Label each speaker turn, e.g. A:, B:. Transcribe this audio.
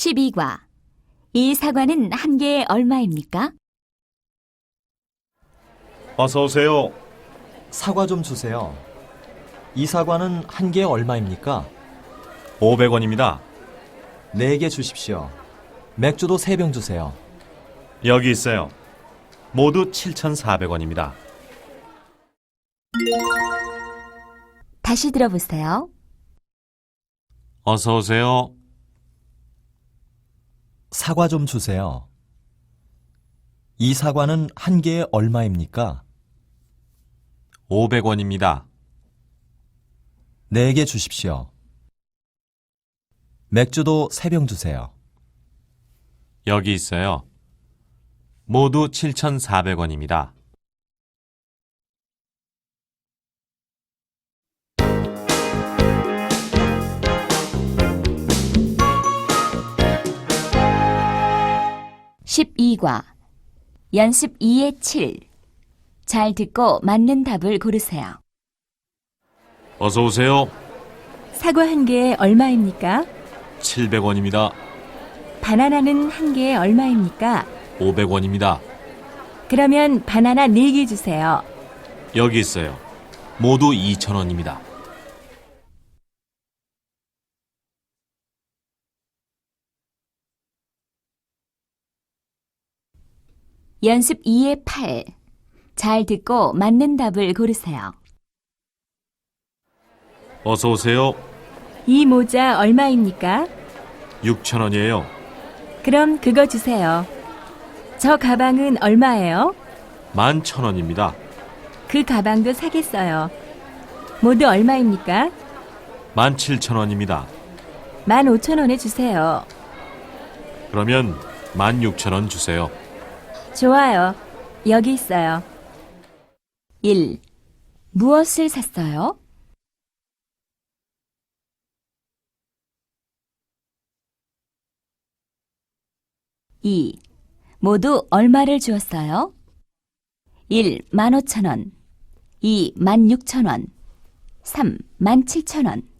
A: 12과. 이 사과는 한 개에 얼마입니까?
B: 어서 오세요.
C: 사과 좀 주세요. 이 사과는 한 개에 얼마입니까?
B: 500원입니다.
C: 4개 주십시오. 맥주도 3병 주세요.
B: 여기 있어요. 모두 7,400원입니다.
A: 다시 들어보세요.
B: 어서 오세요.
C: 사과 좀 주세요. 이 사과는 한 개에 얼마입니까?
B: 500원입니다.
C: 4개 주십시오. 맥주도 3병 주세요.
B: 여기 있어요. 모두 7,400원입니다.
A: (12과) 연습 2의 7. 잘 듣고 맞는 답을 고르세요.
B: 어서 오세요.
D: 사과 한 개에 얼마입니까?
B: 700원입니다.
D: 바나나는 한 개에 얼마입니까?
B: 500원입니다.
D: 그러면 바나나 4개 주세요.
B: 여기 있어요. 모두 2,000원입니다.
A: 연습 2의 8. 잘 듣고 맞는 답을 고르세요.
B: 어서 오세요.
D: 이 모자 얼마입니까?
B: 6,000원이에요.
D: 그럼 그거 주세요. 저 가방은 얼마예요?
B: 11,000원입니다.
D: 그 가방도 사겠어요. 모두 얼마입니까?
B: 17,000원입니다.
D: 15,000원에 주세요.
B: 그러면 16,000원 주세요.
D: 좋아요. 여기 있어요.
A: 1. 무엇을 샀어요? 2. 모두 얼마를 주었어요? 1. 15,000원, 2. 16,000원, 3. 17,000원.